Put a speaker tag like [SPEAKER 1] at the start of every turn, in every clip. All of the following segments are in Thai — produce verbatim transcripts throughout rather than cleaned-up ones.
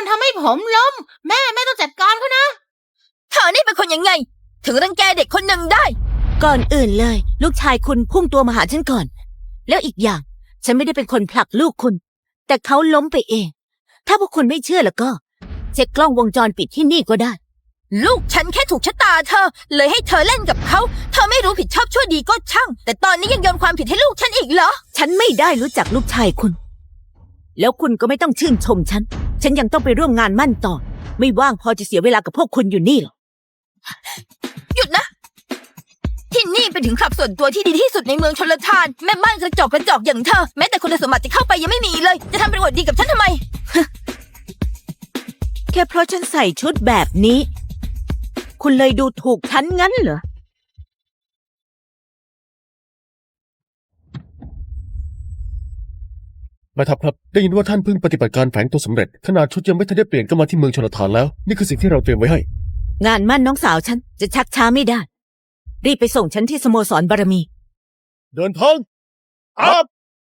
[SPEAKER 1] คนทำให้ผมล้มแม่แม่ต้องจัดการเขานะ
[SPEAKER 2] เธอนี่เป็นคนยังไงถึงรังแกเด็กคนหนึ่งได้
[SPEAKER 3] ก่อนอื่นเลยลูกชายคุณพุ่งตัวมาหาฉันก่อนแล้วอีกอย่างฉันไม่ได้เป็นคนผลักลูกคุณแต่เขาล้มไปเองถ้าพวกคุณไม่เชื่อแล้วก็เช็คกล้องวงจรปิดที่นี่ก็ได้
[SPEAKER 2] ลูกฉันแค่ถูกชะตาเธอเลยให้เธอเล่นกับเขาเธอไม่รู้ผิดชอบชั่วดีก็ช่างแต่ตอนนี้ยังโยนความผิดให้ลูกฉันอีกเหรอ
[SPEAKER 3] ฉันไม่ได้รู้จักลูกชายคุณแล้วคุณก็ไม่ต้องชื่นชมฉันฉันยังต้องไปร่วมงานมั่นต่อไม่ว่างพอจะเสียเวลากับพวกคุณอยู่นี่หรอก
[SPEAKER 2] หยุดนะที่นี่เป็นถึงคลับส่วนตัวที่ดีที่สุดในเมืองชลทานแม่บ้านกระจอกกระจอกอย่างเธอแม้แต่คุณสมบัติจะเข้าไปยังไม่มีเลยจะทำเป็นอวดดีกับฉันทำไม
[SPEAKER 3] แค่เพราะฉันใส่ชุดแบบนี้คุณเลยดูถูกฉันงั้นเหรอ
[SPEAKER 4] แม่ทัพครับได้ยินว่าท่านเพิ่งปฏิบัติการแฝงตัวสำเร็จขนาดชุดยังไม่ทันได้เปลี่ยนก็มาที่เมืองชลทานแล้วนี่คือสิ่งที่เราเตรียมไว้ให้
[SPEAKER 3] งานมั่นน้องสาวฉันจะชักช้าไม่ได้รีบไปส่งฉันที่สโมสรบารมี
[SPEAKER 4] เดินทางครับ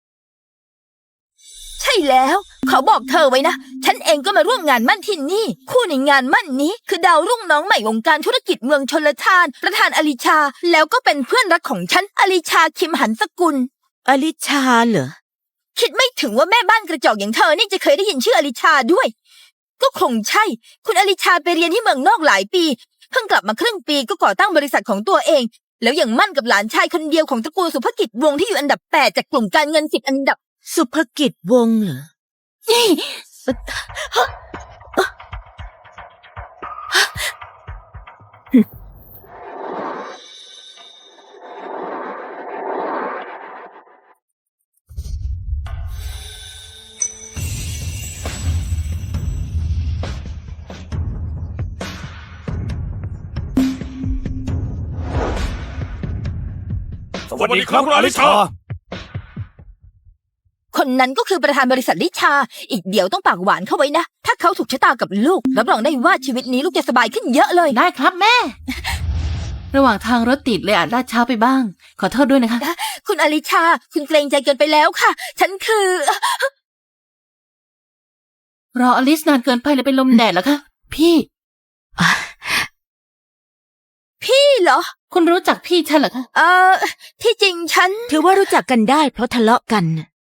[SPEAKER 2] ใช่แล้วเขาบอกเธอไว้นะฉันเองก็มาร่วมงานมั่นที่นี่คู่ในงานมั่นนี้คือดาวรุ่งน้องใหม่วงการธุรกิจเมืองชลทานประธานอลิชาแล้วก็เป็นเพื่อนรักของฉันอลิชาคิมหันสกุล
[SPEAKER 3] อลิชาเหรอ
[SPEAKER 2] คิดไม่ถึงว่าแม่บ้านกระจอกอย่างเธอนี่จะเคยได้ยินชื่ออลิชาด้วยก็คงใช่คุณอลิชาไปเรียนที่เมืองนอกหลายปีเพิ่งกลับมาครึ่งปีก็ก่อตั้งบริษัทของตัวเองแล้วยังมั่นกับหลานชายคนเดียวของตระกูลสุภกิจวงศ์ที่อยู่อันดับแปดจากกลุ่มการเงินสิบอันดับ
[SPEAKER 3] สุภกิจวงศ์เหรอ
[SPEAKER 4] สวัสดีครับอลิชา
[SPEAKER 2] คนนั้นก็คือประธานบริษัทลิชาอีกเดี๋ยวต้องปากหวานเข้าไว้นะถ้าเขาถูกชะตากับลูกรับรองได้ว่าชีวิตนี้ลูกจะสบายขึ้นเยอะเลย
[SPEAKER 1] ได้ครับแม่ระหว่างทางรถติดเลยอาจล่าช้าไปบ้างขอโทษด้วยนะคะ
[SPEAKER 2] คุณอลิชาคุณเกรงใจเกินไปแล้วค่ะฉันคือ
[SPEAKER 1] รออลิสนานเกินไปเลยเป็นลมแดดแล้วคะพี่
[SPEAKER 2] พี่เหรอ
[SPEAKER 1] คุณรู้จักพี่ฉันเหรอคะ
[SPEAKER 2] เอ่อที่จริงฉัน
[SPEAKER 3] ถือว่ารู้จักกันได้เพราะทะเลาะกัน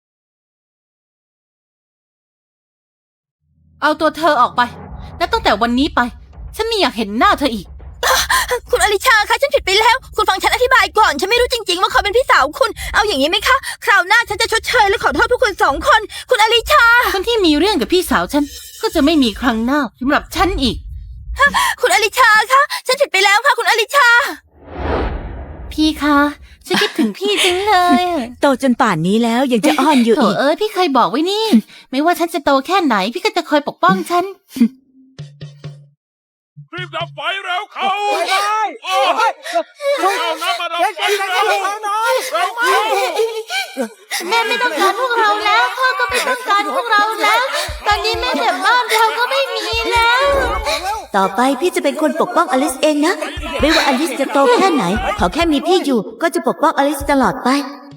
[SPEAKER 1] เอาตัวเธอออกไปและตั้งแต่วันนี้ไปฉันไม่อยากเห็นหน้าเธออีก
[SPEAKER 2] คุณอลิชาคะฉันผิดไปแล้วคุณฟังฉันอธิบายก่อนฉันไม่รู้จริงๆว่าเขาเป็นพี่สาวคุณเอาอย่างนี้ไหมคะคราวหน้าฉันจะชดเชยและขอโทษพวกคุณสองคนคุณอลิชา
[SPEAKER 1] คนที่มีเรื่องกับพี่สาวฉันก็จะไม่มีครั้งหน้าสำหรับฉันอีก
[SPEAKER 2] คุณอลิชาคะฉันผิดไปแล้วค่ะคุณอลิชา
[SPEAKER 1] พี่คะฉันคิดถึงพี่จังเลย
[SPEAKER 3] โตจนป่านนี้แล้วยังจะอ้อนอยู่อีก
[SPEAKER 1] เออพี่เคยบอกไว้นี่ไม่ว่าฉันจะโตแค่ไหนพี่ก็จะคอยปกป้องฉัน
[SPEAKER 4] รีบดับไฟเร็วเขาเอาน้ำมาดับไฟเร็วเร็ว
[SPEAKER 1] แม่ไม่ต้องการพวกเราแล้วพ่อก็ไม่ต้องการพวกเราแล้วตอนนี้แม่แต่บ้านเราก็ไม่มีแล้ว
[SPEAKER 3] ต่อไปพี่จะเป็นคนปกป้องอลิสเองนะไม่ว่าอลิสจะโตแค่ไหนขอแค่มีพี่อยู่ก็จะปกป้องอลิสตลอดไป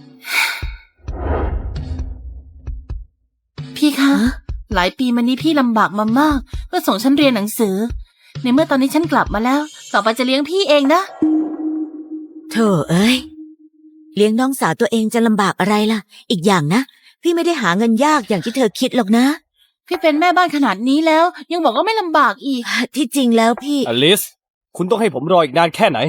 [SPEAKER 1] พี่คะหลายปีมานี้พี่ลำบากมามากเพื่อส่งฉันเรียนหนังสือในเมื่อตอนนี้ฉันกลับมาแล้วต่อไปจะเลี้ยงพี่เองนะ
[SPEAKER 3] โธ่เอ้ยเลี้ยงน้องสาวตัวเองจะลำบากอะไรล่ะอีกอย่างนะพี่ไม่ได้หาเงินยากอย่างที่เธอคิดหรอกนะ
[SPEAKER 1] พี่เป็นแม่บ้านขนาดนี้แล้วยังบอกว่าไม่ลำบากอีก
[SPEAKER 3] ที่จริงแล้วพี่
[SPEAKER 5] อลิสคุณต้องให้ผมรออีกนานแค่ไหน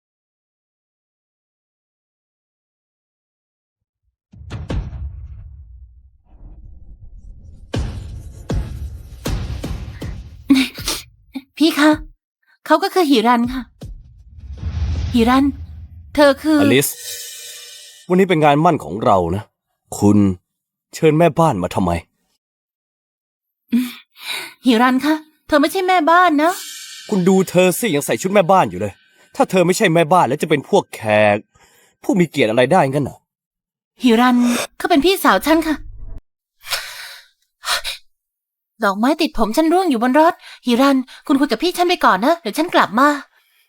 [SPEAKER 1] พี่คะเขาก็คือหิรันค่ะหิรันเธอคือ
[SPEAKER 5] อลิสวันนี้เป็นงานมั่นของเรานะคุณเชิญแม่บ้านมาทำไม
[SPEAKER 1] หิรันคะเธอไม่ใช่แม่บ้านนะ
[SPEAKER 5] คุณดูเธอสิยังใส่ชุดแม่บ้านอยู่เลยถ้าเธอไม่ใช่แม่บ้านแล้วจะเป็นพวกแขกผู้มีเกียรติอะไรได้งั้นเหรอ
[SPEAKER 1] หิรันเขาเป็นพี่สาวฉันค่ะดอกไม้ติดผมฉันร่วงอยู่บนรถหิรันคุณคุยกับพี่ฉันไปก่อนนะเดี๋ยวฉันกลับมา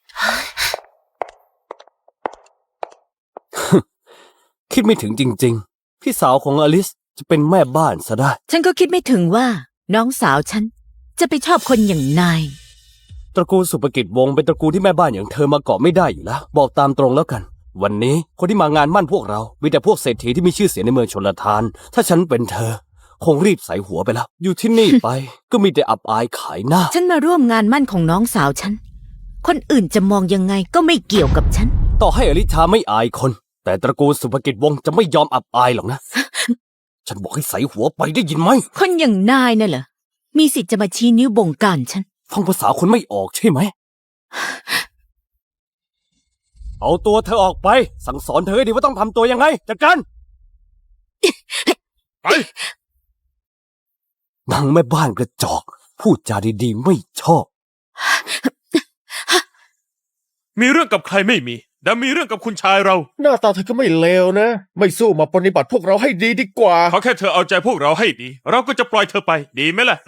[SPEAKER 5] คิดไม่ถึงจริงๆพี่สาวของอลิสจะเป็นแม่บ้านซะได้
[SPEAKER 3] ฉันก็คิดไม่ถึงว่าน้องสาวฉันจะไปชอบคนอย่างนาย
[SPEAKER 5] ตระกูลสุภกิจวงศ์เป็นตระกูลที่แม่บ้านอย่างเธอมาเกาะไม่ได้อยู่แล้ว บอกตามตรงแล้วกัน วันนี้คนที่มางานมั่นพวกเรามีแต่พวกเศรษฐีที่มีชื่อเสียงในเมืองชลทาน ถ้าฉันเป็นเธอ คงรีบใส่หัวไปแล้ว อยู่ที่นี่ไป ก็มีแต่อับอายขายหน้า
[SPEAKER 3] ฉันมาร่วมงานมั่นของน้องสาวฉัน คนอื่นจะมองยังไงก็ไม่เกี่ยวกับฉัน
[SPEAKER 5] ต่อให้อลิชาไม่อายคน แต่ตระกูลสุภกิจวงศ์จะไม่ยอมอับอายหรอกนะ ฉันบอกให้ใส่หัวไปได้ยินไหม
[SPEAKER 3] คนอย่างนายน่ะเหรอ มีสิทธิ์จะมาชี้นิ้วบงการฉัน
[SPEAKER 5] ฟังภาษาคนไม่ออกใช่ไหม เอาตัวเธอออกไป สั่งสอนเธอให้ดีว่าต้องทำตัวยังไงจัดการไปนางแม่บ้านกระจอก พูดจาดีๆไม่ชอบ
[SPEAKER 6] มีเรื่องกับใครไม่มีแต่มีเรื่องกับคุณชายเรา
[SPEAKER 4] หน้าตาเธอก็ไม่เลวนะ ไม่สู้มาปฏิบัติพวกเราให้ดีดีกว่า
[SPEAKER 6] เขาแค่เธอเอาใจพวกเราให้ดี เราก็จะปล่อยเธอไปดีไหมล่ะ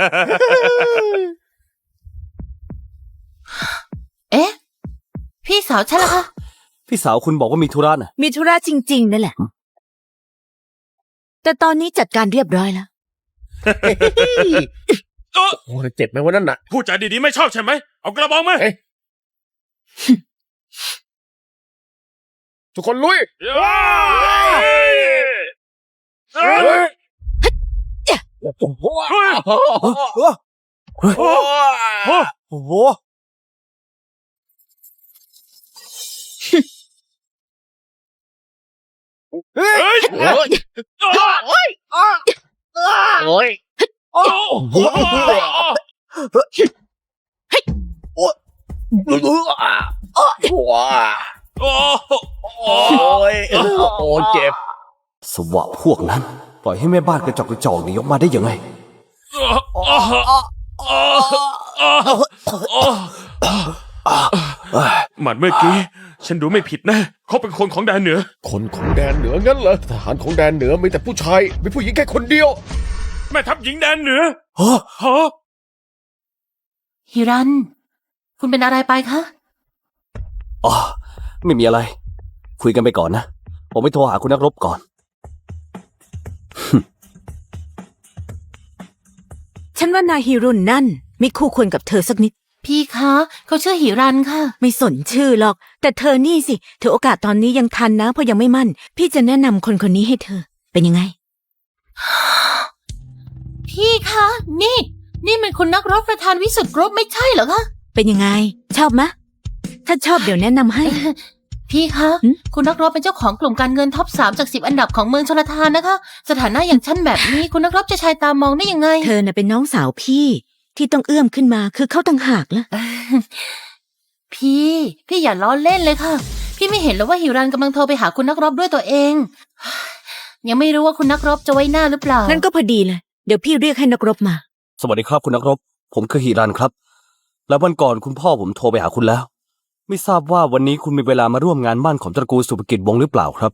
[SPEAKER 1] เอ๊ะ พี่สาวฉันล่ะคะ
[SPEAKER 5] พี่สาวคุณบอกว่ามีธุระน่ะ
[SPEAKER 3] มีธุระจริงๆนั่นแหละ แต่ตอนนี้จัดการเรียบร้อยแล้ว
[SPEAKER 6] เอ้อ
[SPEAKER 4] โอ้ยเจ็บไหมวันนั้นน่ะ
[SPEAKER 6] พูดจาดีๆไม่ชอบใช่ไหมเอากระบองมา
[SPEAKER 4] เอ๊ะ ทุกคนลุย
[SPEAKER 6] เอ้ยเอ้ย
[SPEAKER 5] โอ้โห
[SPEAKER 6] เฮ้ย
[SPEAKER 5] โอ้โหโอ้โหโอ้โห
[SPEAKER 6] เฮ้ย
[SPEAKER 4] โอ้ย โอ้ย
[SPEAKER 6] โอ้โห โอ้โห
[SPEAKER 4] โอ้ยโอ้ยเจ็บ
[SPEAKER 5] สวะพวกนั้น ปล่อยให้แม่บ้านกระจอกกระจอกหนีออกมาได้ยังไง
[SPEAKER 6] หมัดเมื่อกี้ ฉันดูไม่ผิดนะเขาเป็นคนของแดนเหนือ
[SPEAKER 4] คนของแดนเหนืองั้นเหรอ ทหารของแดนเหนือมีแต่ผู้ชาย มีผู้หญิงแค่คนเดียว
[SPEAKER 6] แม่ทัพหญิงแดนเหนือ
[SPEAKER 5] ฮะ
[SPEAKER 6] ฮะ
[SPEAKER 1] ฮิรัน คุณเป็นอะไรไปคะ
[SPEAKER 5] อ๋อไม่มีอะไร คุยกันไปก่อนนะ ผมไปโทรหาคุณนักรบก่อน
[SPEAKER 3] ฉันว่านายฮิรุนนั่นไม่คู่ควรกับเธอสักนิด
[SPEAKER 1] พี่คะ เขาชื่อฮิรันค่ะ
[SPEAKER 3] ไม่สนชื่อหรอก แต่เธอนี่สิถือโอกาสตอนนี้ยังทันนะเพราะยังไม่มั่น พี่จะแนะนำคนคนนี้ให้เธอ เป็นยังไง
[SPEAKER 1] พี่คะ นี่ นี่มันคุณนักรบประธานวิสุทธิ์กรุ๊ปไม่ใช่เหรอคะ
[SPEAKER 3] เป็นยังไง ชอบมะ ถ้าชอบเดี๋ยวแนะนำให้
[SPEAKER 1] พี่คะ
[SPEAKER 3] หึ
[SPEAKER 1] คุณนักรบเป็นเจ้าของกลุ่มการเงินท็อปสามจากสิบอันดับของเมืองชลทานนะคะ สถานะอย่างฉันแบบนี้ คุณนักรบจะชายตามองได้ยังไง
[SPEAKER 3] เธอน่ะเป็นน้องสาวพี่ ที่ต้องเอื้อมขึ้นมาคือเขาต่างหากละ
[SPEAKER 1] พี่ พี่อย่าล้อเล่นเลยค่ะ พี่ไม่เห็นหรอว่าฮิรันกำลังโทรไปหาคุณนักรบด้วยตัวเอง ยังไม่รู้ว่าคุณนักรบจะไว้หน้าหรือเปล่า
[SPEAKER 3] นั่นก็พอดีเลย เดี๋ยวพี่เรียกให้นักรบมา
[SPEAKER 5] สวัสดีครับคุณนักรบ ผมคือฮิรันครับ แล้ววันก่อนคุณพ่อผมโทรไปหาคุณแล้ว ไม่ทราบว่าวันนี้คุณมีเวลามาร่วมงานมั่นของตระกูลสุภกิจวงศ์หรือเปล่าครับ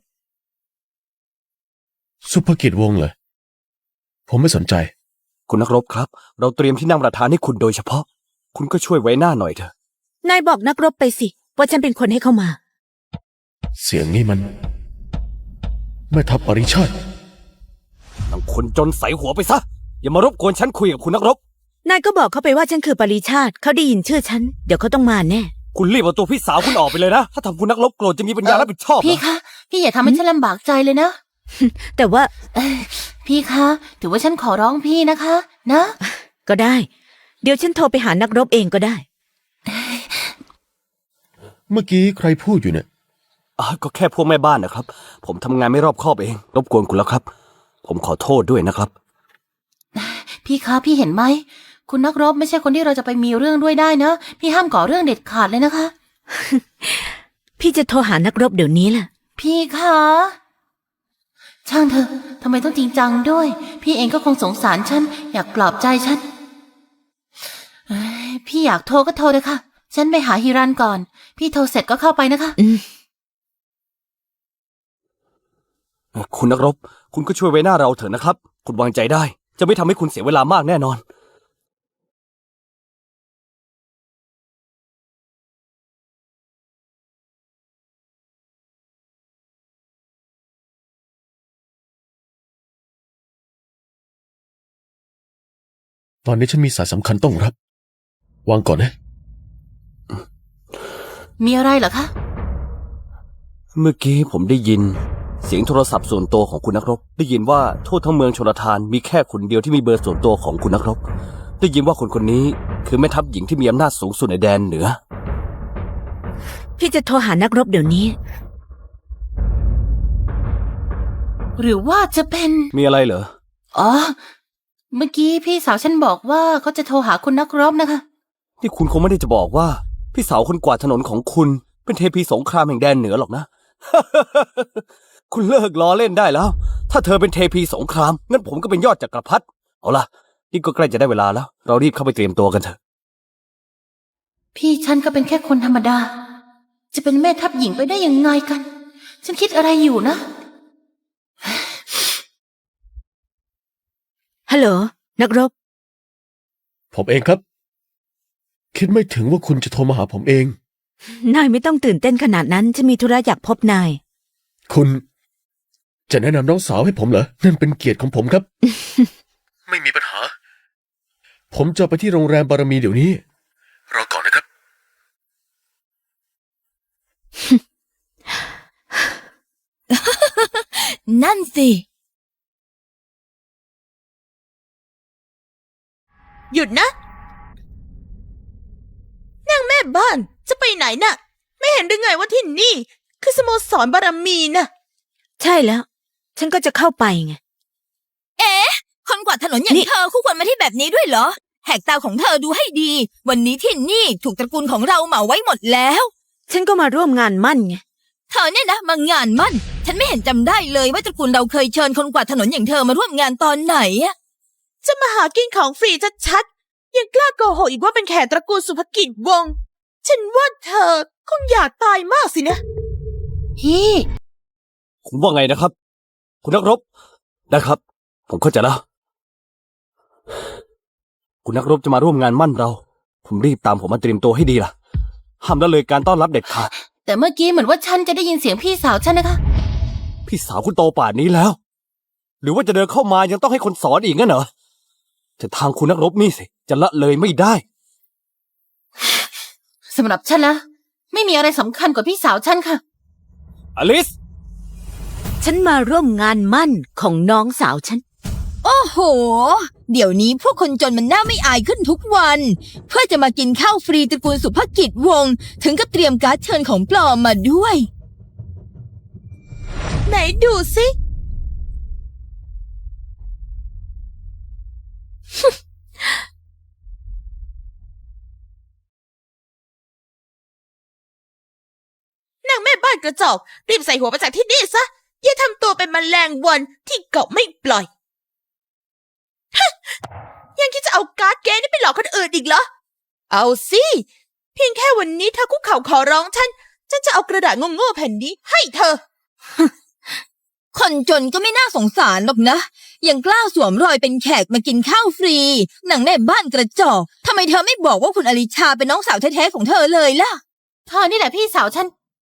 [SPEAKER 4] สุภกิจวงศ์เลย ผมไม่สนใจ
[SPEAKER 5] คุณนักรบครับ เราเตรียมที่นั่งประธานให้คุณโดยเฉพาะ คุณก็ช่วยไว้หน้าหน่อยเถอะ
[SPEAKER 3] นายบอกนักรบไปสิ ว่าฉันเป็นคนให้เข้ามา
[SPEAKER 4] เสียงนี้มันแม่ทัพปริชาติ
[SPEAKER 5] ทั้งคนจนใส่หัวไปซะ อย่ามารบกวนฉันคุยกับคุณนักรบ
[SPEAKER 3] นายก็บอกเขาไปว่าฉันคือปริชาติ เขาได้ยินชื่อฉัน เดี๋ยวเขาต้องมาแน่
[SPEAKER 5] คุณรีบเอาตัวพี่สาวคุณออกไปเลยนะ ถ้าทำคุณนักรบโกรธจะมีปัญญารับผิดชอบเหรอ
[SPEAKER 1] พี่คะ พี่อย่าทำให้ฉันลำบากใจเลยนะ
[SPEAKER 3] แต่ว่า
[SPEAKER 1] เอ้ยพี่คะ ถือว่าฉันขอร้องพี่นะคะ นะ
[SPEAKER 3] ก็ได้ เดี๋ยวฉันโทรไปหานักรบเองก็ได้
[SPEAKER 4] เมื่อกี้ใครพูดอยู่เนี่ย
[SPEAKER 5] อ่ะก็แค่พวกแม่บ้านนะครับ ผมทำงานไม่รอบคอบเอง รบกวนคุณแล้วครับ ผมขอโทษด้วยนะครับ
[SPEAKER 1] พี่คะ พี่เห็นไหม คุณนักรบไม่ใช่คนที่เราจะไปมีเรื่องด้วยได้นะ พี่ห้ามก่อเรื่องเด็ดขาดเลยนะคะ
[SPEAKER 3] พี่จะโทรหานักรบเดี๋ยวนี้แหละ
[SPEAKER 1] พี่คะ ช่างเถอะทำไมต้องจริงจังด้วย พี่เองก็คงสงสารฉัน อยากปลอบใจฉันเอ้ยพี่อยากโทรก็โทรเลยค่ะ ฉันไปหาฮิรันก่อน พี่โทรเสร็จก็เข้าไปนะคะ
[SPEAKER 3] อืม
[SPEAKER 5] คุณนักรบ คุณก็ช่วยไว้หน้าเราเถอะนะครับ คุณวางใจได้ จะไม่ทำให้คุณเสียเวลามากแน่นอน
[SPEAKER 4] ตอนนี้ฉันมีสายสำคัญต้องรับ วางก่อนนะ
[SPEAKER 1] มีอะไรเหรอคะ
[SPEAKER 5] เมื่อกี้ผมได้ยิน เสียงโทรศัพท์ส่วนตัวของคุณนักรบ ได้ยินว่าทั่วทั้งเมืองชลทานมีแค่คนเดียวที่มีเบอร์ส่วนตัวของคุณนักรบ ได้ยินว่าคนคนนี้คือแม่ทัพหญิงที่มีอำนาจสูงสุดในแดนเหนือ
[SPEAKER 3] พี่จะโทรหานักรบเดี๋ยวนี้
[SPEAKER 1] หรือว่าจะเป็น
[SPEAKER 5] มีอะไรเหรอ
[SPEAKER 1] อ๋อ เมื่อกี้พี่สาวฉันบอกว่าเขาจะโทรหาคุณนักรบนะคะ
[SPEAKER 5] ที่คุณคงไม่ได้จะบอกว่าพี่สาวคนกวาดถนนของคุณเป็นเทพีสงครามแห่งแดนเหนือหรอกนะ คุณเลิกล้อเล่นได้แล้ว ถ้าเธอเป็นเทพีสงครามงั้นผมก็เป็นยอดจักรพรรดิเอาล่ะนี่ก็ใกล้จะได้เวลาแล้ว เรารีบเข้าไปเตรียมตัวกันเถอะ
[SPEAKER 1] พี่ฉันก็เป็นแค่คนธรรมดา จะเป็นแม่ทัพหญิงไปได้ยังไงกัน ฉันคิดอะไรอยู่นะ
[SPEAKER 3] ฮัลโหล นักรบ
[SPEAKER 4] ผมเองครับ คิดไม่ถึงว่าคุณจะโทรมาหาผมเอง
[SPEAKER 3] นายไม่ต้องตื่นเต้นขนาดนั้นจะมีธุระอยากพบนาย
[SPEAKER 4] คุณจะแนะนำน้องสาวให้ผมเหรอ นั่นเป็นเกียรติของผมครับ ไม่มีปัญหา ผมจะไปที่โรงแรมบารมีเดี๋ยวนี้ รอก่อนนะครับ
[SPEAKER 2] นั่นสิ
[SPEAKER 7] หยุดนะนางแม่บ้านจะไปไหนน่ะ ไม่เห็นหรือไงว่าที่นี่ คือสโมสรบารมีน่ะ
[SPEAKER 3] ใช่แล้ว ฉันก็จะเข้าไปไง
[SPEAKER 2] เอ๊ะ คนกวาดถนนอย่าง
[SPEAKER 3] นี่
[SPEAKER 2] เธอคู่ควรมาที่แบบนี้ด้วยเหรอ แหกตาของเธอดูให้ดี วันนี้ที่นี่ถูกตระกูลของเราเหมาไว้หมดแล้ว
[SPEAKER 3] ฉันก็มาร่วมงานมั่นไง
[SPEAKER 2] เธอเนี่ยนะมางานมั่น ฉันไม่เห็นจำได้เลยว่าตระกูลเราเคยเชิญคนกวาดถนนอย่างเธอมาร่วมงานตอนไหนอะ
[SPEAKER 7] จะมาหากินของฟรีชัดๆยังกล้าโกหกอีกว่าเป็นแขกตระกูลสุภกิจวงศ์ฉันว่าเธอคงอยากตายมากสินะ
[SPEAKER 1] พี่
[SPEAKER 5] คุณว่าไงนะครับ คุณนักรบได้ครับ ผมเข้าใจแล้ว คุณนักรบจะมาร่วมงานมั่นเรา ผมรีบตามผมมาเตรียมตัวให้ดีล่ะ ห้ามละเลยการต้อนรับเด็ดขาด
[SPEAKER 1] แต่เมื่อกี้เหมือนว่าฉันจะได้ยินเสียงพี่สาวฉันนะคะ
[SPEAKER 5] พี่สาวคุณโตป่านนี้แล้ว หรือว่าจะเดินเข้ามายังต้องให้คนสอนอีกงั้นเหรอแต่ทางคุณนักรบนี่สิจะละเลยไม่ได้
[SPEAKER 1] สำหรับฉันนะไม่มีอะไรสำคัญกว่าพี่สาวฉันค่ะ
[SPEAKER 5] อลิส
[SPEAKER 3] ฉันมาร่วมงานมั่นของน้องสาวฉัน
[SPEAKER 2] โอ้โห เดี๋ยวนี้พวกคนจนมันน่าไม่อายขึ้นทุกวัน เพื่อจะมากินข้าวฟรีตระกูลสุภกิจวงศ์ถึงกับเตรียมการ์ดเชิญของปลอมมาด้วย
[SPEAKER 7] ไหนดูสิ นางแม่บ้านกระจอกรีบใส่หัวไปจากที่นี่ซะ อย่าทำตัวเป็นแมลงวันที่เกาะไม่ปล่อยฮะยังคิดจะเอาการ์ดเกมนี่ไปหลอกคนอื่นอีกเหรอ เอาสิ เพียงแค่วันนี้เธอคุกเข่าขอร้องฉัน ฉันจะเอากระดาษโง่ๆแผ่นนี้ให้เธอ
[SPEAKER 2] คนจนก็ไม่น่าสงสารหรอกนะ ยังกล้าสวมรอยเป็นแขกมากินข้าวฟรีหนังแม่บ้านกระจอกทำไมเธอไม่บอกว่าคุณอลิชาเป็นน้องสาวแท้ๆของเธอเลยล่ะ
[SPEAKER 1] เธอนี่แหละพี่สาวฉัน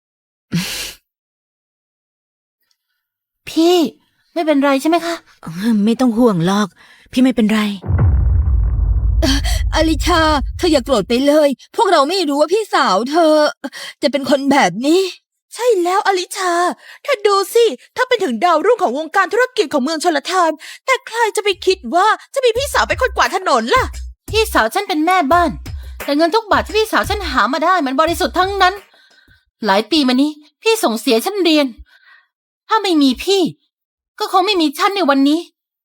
[SPEAKER 1] พี่ไม่เป็นไรใช่ไหมคะ
[SPEAKER 3] ไม่ต้องห่วงหรอก พี่ไม่เป็นไร
[SPEAKER 2] อลิชา เธออย่าโกรธไปเลย พวกเราไม่รู้ว่าพี่สาวเธอ จะเป็นคนแบบนี้
[SPEAKER 7] ใช่แล้วอลิชาเธอดูสิ ถ้าเป็นถึงดาวรุ่งของวงการธุรกิจของเมืองชลทาน แต่ใครจะไปคิดว่าจะมีพี่สาวเป็นคนกวาดถนนล่ะ
[SPEAKER 1] พี่สาวฉันเป็นแม่บ้าน แต่เงินทุกบาทที่พี่สาวฉันหามาได้มันบริสุทธิ์ทั้งนั้น หลายปีมานี้ พี่ส่งเสียฉันเรียน ถ้าไม่มีพี่ ก็คงไม่มีฉันในวันนี้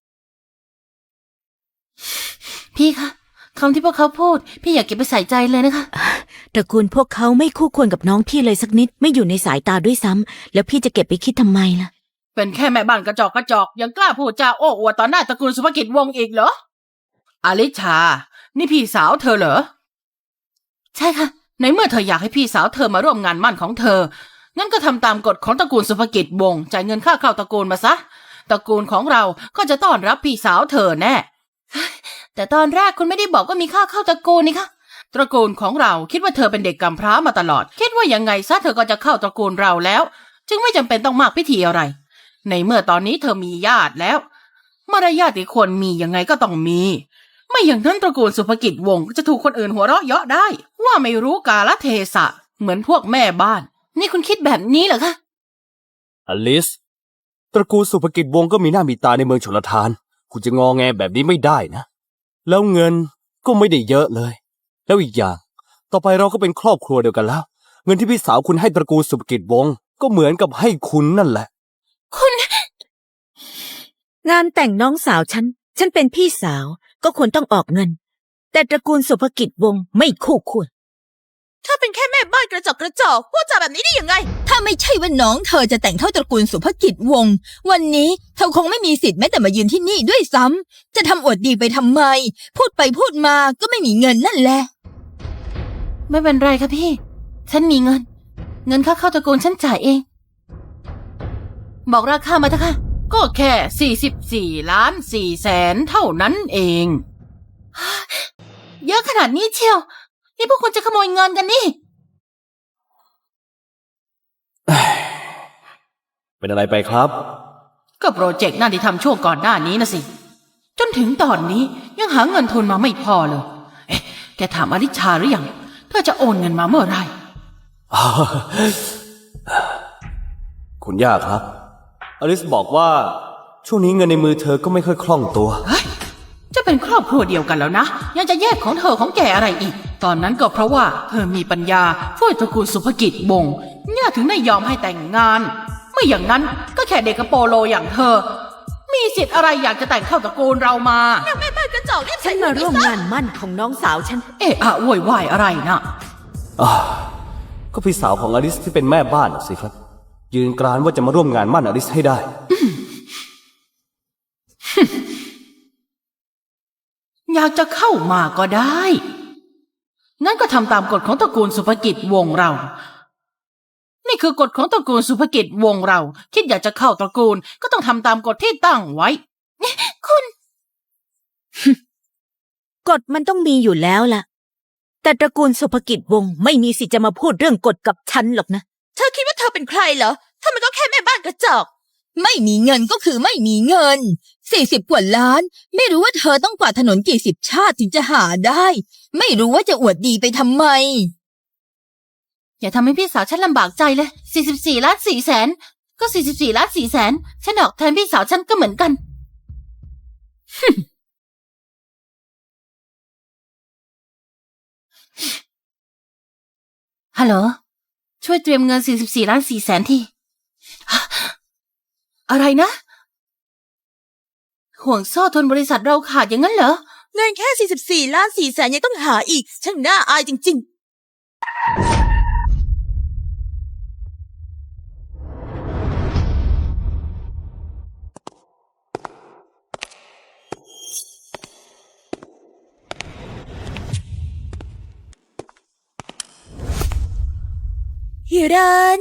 [SPEAKER 1] พี่คะคำที่พวกเขาพูด พี่อยากเก็บไปใส่ใจเลยนะคะ
[SPEAKER 3] ตระกูลพวกเขาไม่คู่ควรกับน้องพี่เลยสักนิด ไม่อยู่ในสายตาด้วยซ้ำแล้วพี่จะเก็บไปคิดทำไมล่ะ
[SPEAKER 1] เป็นแค่แม่บ้านกระจอกกระจอกยังกล้าพูดจาโอ้อวดต่อหน้าตระกูลสุภกิจวงศ์อีกเหรออลิชา นี่พี่สาวเธอเหรอใช่ค่ะในเมื่อเธออยากให้พี่สาวเธอมาร่วมงานมั่นของเธองั้นก็ทำตามกฎของตระกูลสุภกิจวงศ์จ่ายเงินค่าเข้าตระกูลมาซะตระกูลของเราก็จะต้อนรับพี่สาวเธอแน่แต่ตอนแรกคุณไม่ได้บอกว่ามีค่าเข้าตระกูลนี่คะตระกูลของเราคิดว่าเธอเป็นเด็กกำพร้ามาตลอดคิดว่ายังไงซะเธอก็จะเข้าตระกูลเราแล้วจึงไม่จำเป็นต้องมากพิธีอะไรในเมื่อตอนนี้เธอมีญาติแล้วมารยาทที่ควรมียังไงก็ต้องมีไม่อย่างนั้นตระกูลสุภกิจวงศ์จะถูกคนอื่นหัวเราะเยาะได้ ว่าไม่รู้กาลเทศะเหมือนพวกแม่บ้าน นี่คุณคิดแบบนี้เหรอคะ
[SPEAKER 5] อลิส ตระกูลสุภกิจวงศ์ก็มีหน้ามีตาในเมืองชลทาน คุณจะงอแงแบบนี้ไม่ได้นะ แล้วเงินก็ไม่ได้เยอะเลย แล้วอีกอย่าง ต่อไปเราก็เป็นครอบครัวเดียวกันแล้ว เงินที่พี่สาวคุณให้ตระกูลสุภกิจวงศ์ก็เหมือนกับให้คุณนั่นแหละ
[SPEAKER 1] คุณ
[SPEAKER 3] งานแต่งน้องสาวฉัน ฉันเป็นพี่สาวก็ควรต้องออกเงิน แต่ตระกูลสุภกิจวงศ์ไม่คู่ควร
[SPEAKER 7] ถ้าเป็นแค่แม่บ้านกระจอกกระจอกพูดจาแบบนี้ได้ยังไง
[SPEAKER 2] ถ้าไม่ใช่ว่าน้องเธอจะแต่งเข้าตระกูลสุภกิจวงศ์วันนี้เธอคงไม่มีสิทธิ์แม้แต่มายืนที่นี่ด้วยซ้ำจะทำอวดดีไปทำไม พูดไปพูดมาก็ไม่มีเงินนั่นแหละ
[SPEAKER 1] ไม่เป็นไรค่ะพี่ ฉันมีเงิน เงินค่าเข้าตระกูลฉันจ่ายเอง บอกราคามาเถอะค่ะ ก็แค่สี่สิบสี่ล้านสี่แสนเท่านั้นเอง เยอะขนาดนี้เชียว นี่พวกคุณจะขโมยเงินกันนี่
[SPEAKER 5] เป็นอะไรไปครับ
[SPEAKER 1] ก็โปรเจกต์นั่นที่ทำช่วงก่อนหน้านี้นะสิ จนถึงตอนนี้ยังหาเงินทุนมาไม่พอเลย เอ๊ะ แกถามอลิชาหรือยังเธอจะโอนเงินมาเมื่อไหร่
[SPEAKER 5] คุณย่าครับ อลิสบอกว่าช่วงนี้เงินในมือเธอก็ไม่ค่อยคล่องตัว
[SPEAKER 1] เฮ้ย จะเป็นครอบครัวเดียวกันแล้วนะ ยังจะแยกของเธอของแกอะไรอีก ตอนนั้นก็เพราะว่าเธอมีปัญญาช่วยตระกูลสุภกิจวงศ์ย่าถึงได้ยอมให้แต่งงาน ไม่อย่างนั้นก็แค่เด็กกระโปโลอย่างเธอ มีสิทธิ์อะไรอยากจะแต่งเข้าตระกูลเรามา
[SPEAKER 7] แม่บ้านกระจอกรีบ
[SPEAKER 3] ฉั
[SPEAKER 7] ใส่
[SPEAKER 3] น
[SPEAKER 7] หัว
[SPEAKER 3] มา
[SPEAKER 7] ไป
[SPEAKER 3] ร่วม
[SPEAKER 7] ซะ
[SPEAKER 3] งานมั่นของน้องสาวฉัน
[SPEAKER 1] เอะอะโวยวายอะไรนะ
[SPEAKER 5] อ่าก็พี่สาวของอลิสที่เป็นแม่บ้านน่ะสิครับ ยืนกรานว่าจะมาร่วมงานมั่นอลิสให้ได้
[SPEAKER 1] อยากจะเข้ามาก็ได้ งั้นก็ทำตามกฎของตระกูลสุภกิจวงศ์เรา นี่คือกฎของตระกูลสุภกิจวงศ์เรา คิดอยากจะเข้าตระกูลก็ต้องทำตามกฎที่ตั้งไว้ คุณ
[SPEAKER 3] กฎมันต้องมีอยู่แล้วล่ะ แต่ตระกูลสุภกิจวงศ์ไม่มีสิทธิ์จะมาพูดเรื่องกฎกับฉันหรอกนะ
[SPEAKER 7] เธอคิดว่าเธอเป็นใครเหรอถ้ามันก็แค่แม่บ้านกระจอก
[SPEAKER 2] ไม่มีเงินก็คือไม่มีเงินสี่สิบกว่าล้าน ไม่รู้ว่าเธอต้องกวาดถนนกี่สิบชาติถึงจะหาได้ ไม่รู้ว่าจะอวดดีไปทำไม
[SPEAKER 1] อย่าทำให้พี่สาวฉันลำบากใจเลย สี่สิบสี่ล้านสี่แสน ก็ สี่สิบสี่ล้านสี่แสน ฉันออกแทนพี่สาวฉันก็เหมือนกัน ฮัลโหล ช่วยเตรียมเงิน สี่สิบสี่ล้านสี่แสนทีอะไรนะ ห่วงโซ่ทุนบริษัทเราขาดอย่างนั้นเหรอ
[SPEAKER 7] เงินแค่สี่สิบสี่ล้านสี่แสนยังต้องหาอีกช่างน่าอายจริง ๆฮิรัน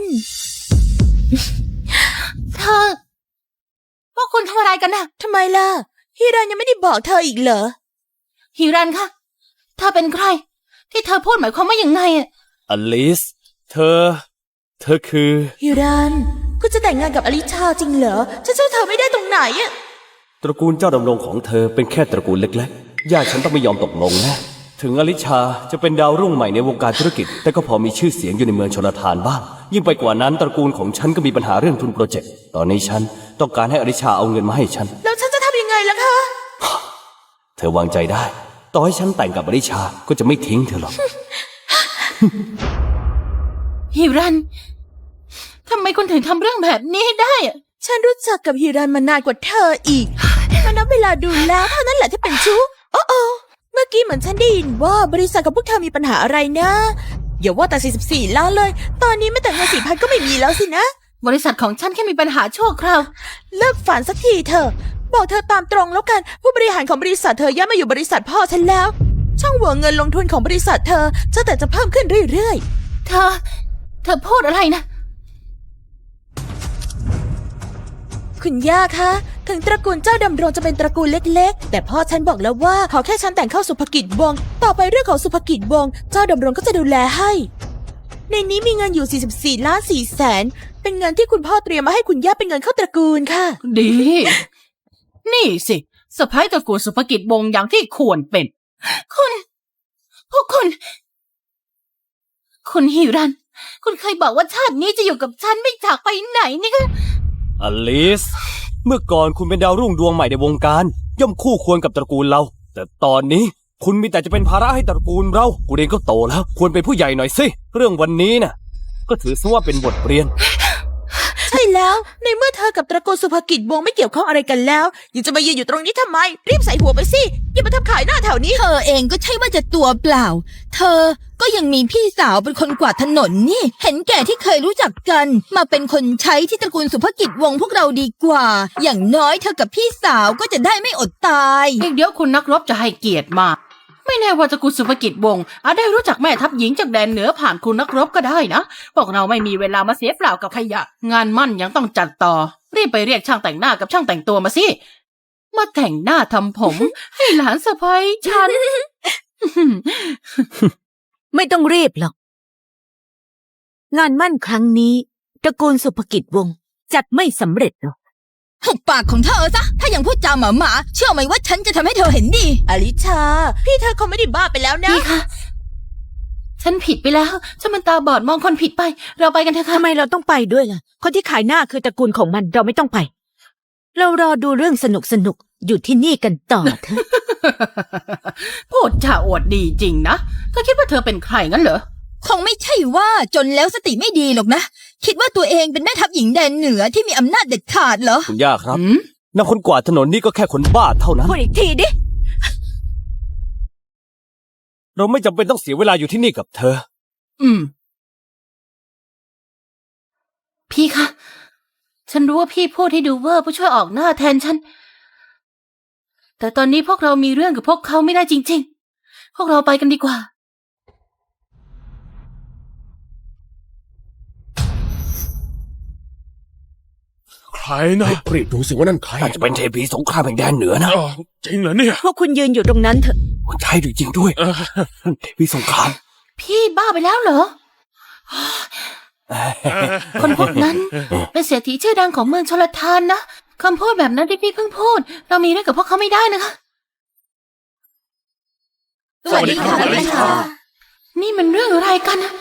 [SPEAKER 1] เธอพวกคุณทำอะไรกันนะ
[SPEAKER 7] ทำไมล่ะฮิรันยังไม่ได้บอกเธออีกเหรอ
[SPEAKER 1] ฮิรันคะเธอเป็นใคร ที่เธอพูดหมายความว่าอย่างไงอะ
[SPEAKER 5] อลิส เธอ เธอคือ
[SPEAKER 7] ฮิรันคุณจะแต่งงานกับอลิชาจริงเหรอฉันเจ้าเธอไม่ได้ตรงไหนอะ
[SPEAKER 5] ตระกูลเจ้าดำรงของเธอเป็นแค่ตระกูลเล็กๆ ญาติฉันต้องไม่ยอมตกลงนะ ถึงอลิชาจะเป็นดาวรุ่งใหม่ในวงการธุรกิจ แต่ก็พอมีชื่อเสียงอยู่ในเมืองชลทานบ้าง ยิ่งไปกว่านั้นตระกูลของฉันก็มีปัญหาเรื่องทุนโปรเจกต์ ตอนนี้ฉันต้องการให้อลิชาเอาเงินมาให้ฉัน
[SPEAKER 7] แล้วฉันจะทำยังไงล่ะคะ
[SPEAKER 5] เธอวางใจได้ ต่อให้ฉันแต่งกับอลิชาก็จะไม่ทิ้งเธอหรอก
[SPEAKER 1] ฮิรันทำไมคุณถึงทำเรื่องแบบนี้ได้อะ
[SPEAKER 7] ฉันรู้จักกับฮิรันมานานกว่าเธออีกมานับเวลาดูแล้วเท่านั้นแหละที่เป็นชู้โอ้โอเมื่อกี้เหมือนฉันได้ยินว่าบริษัทกับพวกเธอมีปัญหาอะไรนะอย่าว่าแต่สี่สิบสี่ล้านเลย ตอนนี้ไม่แต่เงินสี่พันก็ไม่มีแล้วสินะ
[SPEAKER 1] บริษัทของฉันแค่มีปัญหาชั่วคราว
[SPEAKER 7] เลิกฝันสักทีเถอะบอกเธอตามตรงแล้วกันผู้บริหารของบริษัทเธอย้ายมาอยู่บริษัทพ่อฉันแล้ว ช่องโหว่เงินลงทุนของบริษัทเธอจะแต่จะเพิ่มขึ้นเรื่อย
[SPEAKER 1] เธอ เธอพูดอะไรนะ
[SPEAKER 7] ๆคุณย่าคะถึงตระกูลเจ้าดำรงจะเป็นตระกูลเล็กๆแต่พ่อฉันบอกแล้วว่าขอแค่ฉันแต่งเข้าสุภกิจวงศ์ต่อไปเรื่องของสุภกิจวงศ์เจ้าดำรงก็จะดูแลให้ ในนี้มีเงินอยู่สี่สิบสี่ล้านสี่แสนเป็นเงินที่คุณพ่อเตรียมมาให้คุณย่าเป็นเงินเข้าตระกูลค่ะ
[SPEAKER 1] ดี นี่สิสะพ้ายตระกูลสุภกิจวงศ์อย่างที่ควรเป็น คุณ พวกคุณ คุณฮิรัน คุณเคยบอกว่าชาตินี้จะอยู่กับฉันไม่จากไปไหนนี่ก็
[SPEAKER 5] อลิส เมื่อก่อนคุณเป็นดาวรุ่งดวงใหม่ในวงการ ย่อมคู่ควรกับตระกูลเรา แต่ตอนนี้คุณมีแต่จะเป็นภาระให้ตระกูลเราคุณเองก็โตแล้ว ควรเป็นผู้ใหญ่หน่อยสิ เรื่องวันนี้น่ะ ก็ถือซะว่าเป็นบทเรียน
[SPEAKER 7] ใช่แล้ว ในเมื่อเธอกับตระกูลสุภกิจวงศ์ไม่เกี่ยวข้องอะไรกันแล้ว ยังจะมายืนอยู่ตรงนี้ทำไม รีบใส่หัวไปสิ อย่ามาทำขายหน้าแถวนี้
[SPEAKER 2] เธอเองก็ใช่ว่าจะตัวเปล่า เธอก็ยังมีพี่สาวเป็นคนกวาดถนนนี่ เห็นแก่ที่เคยรู้จักกัน มาเป็นคนใช้ที่ตระกูลสุภกิจวงศ์พวกเราดีกว่า อย่างน้อยเธอกับพี่สาวก็จะได้ไม่อดตาย
[SPEAKER 1] อีกเดี๋ยวคุณนักรบจะให้เกียรติมา ไม่แน่ว่าตระกูลสุภกิจวงศ์อาจได้รู้จักแม่ทัพหญิงจากแดนเหนือผ่านคุณนักรบก็ได้นะพวกเราไม่มีเวลามาเสียเปล่ากับขยะ งานมั่นยังต้องจัดต่อ รีบไปเรียกช่างแต่งหน้ากับช่างแต่งตัวมาสิ มาแต่งหน้าทำผม ให้หลานสะใภ้ฉัน
[SPEAKER 3] ไม่ต้องรีบหรอก งานมั่นครั้งนี้ตระกูลสุภกิจวงศ์จัดไม่สำเร็จหรอก
[SPEAKER 2] หุบปากของเธอซะ ถ้ายังพูดจาหมาหมาๆเชื่อไหมว่าฉันจะทำให้เธอเห็นดี
[SPEAKER 7] อลิชา พี่เธอคงไม่ได้บ้าไปแล้วนะ
[SPEAKER 1] พี่คะ ฉันผิดไปแล้ว ฉันมันตาบอดมองคนผิดไป เราไปกันเถอะค่ะ
[SPEAKER 3] ทำไมเราต้องไปด้วยล่ะ คนที่ขายหน้าคือตระกูลของมันเราไม่ต้องไป เรารอดูเรื่องสนุกสนุกๆอยู่ที่นี่กันต่อเถอะ
[SPEAKER 1] พูดจาอวดดีจริงนะเธอคิดว่าเธอเป็นใครงั้นเหรอ
[SPEAKER 2] คงไม่ใช่ว่าจนแล้วสติไม่ดีหรอกนะ คิดว่าตัวเองเป็นแม่ทัพหญิงแดนเหนือที่มีอำนาจเด็ดขาดเหรอ
[SPEAKER 5] คุณย่าครับ
[SPEAKER 1] หืม
[SPEAKER 5] นางคนกวาดถนนนี่ก็แค่คนบ้าเท่านั้น
[SPEAKER 3] พูดอีกทีดิ
[SPEAKER 5] เราไม่จำเป็นต้องเสียเวลาอยู่ที่นี่กับเธอ
[SPEAKER 1] อืม พี่คะ ฉันรู้ว่าพี่พูดให้ดูเวอร์เพื่อช่วยออกหน้าแทนฉัน แต่ตอนนี้พวกเรามีเรื่องกับพวกเขาไม่ได้จริงๆ พวกเราไปกันดีกว่า
[SPEAKER 6] ใครนะ
[SPEAKER 4] รีบดูสิว่านั่นใคร
[SPEAKER 5] น่าจะเป็นเทพีสงครามแห่งแดนเหนือนะ
[SPEAKER 6] อ้าวจริงเหรอเนี่ย
[SPEAKER 3] พวกคุณยืนอยู่ตรงนั้นเถอะ
[SPEAKER 5] ใช่จริงๆด้วย
[SPEAKER 6] เออ
[SPEAKER 5] นั่นเทพีสงคราม
[SPEAKER 1] พี่บ้าไปแล้วเหรอ คนพวกนั้นเป็นเศรษฐีชื่อดังของเมืองชลทานนะคำพูดแบบนั้นที่พี่เพิ่งพูด เรามีเรื่องกับพวกเขาไม่ได้นะคะ
[SPEAKER 7] สวัสดีค่ะ
[SPEAKER 1] สวัสดีค่ะ นี่มันเรื่องอะไรกันนะ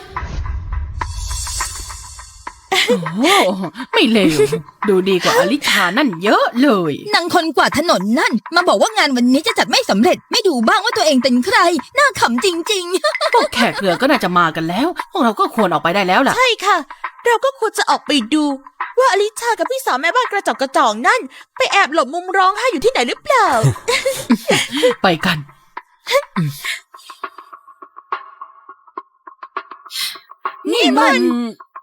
[SPEAKER 1] โอ้โหไม่เลว ดูดีกว่าอลิชานั่นเยอะเลย
[SPEAKER 2] นางคนกวาดถนนนั่น มาบอกว่างานวันนี้จะจัดไม่สำเร็จ ไม่ดูบ้างว่าตัวเองเป็นใคร น่าขำจริง
[SPEAKER 1] พวกแขกเรือก็น่าจะมากันแล้ว พวกเราก็ควรออกไปได้แล้วล่ะ
[SPEAKER 7] ใช่ค่ะ เราก็ควรจะออกไปดู ว่าอลิชากับพี่สาวแม่บ้านกระจอกกระจองนั่น ไปแอบหลบมุมร้องไห้อยู่ที่ไหนหรือเปล่า
[SPEAKER 1] ไปกัน
[SPEAKER 7] นี่มัน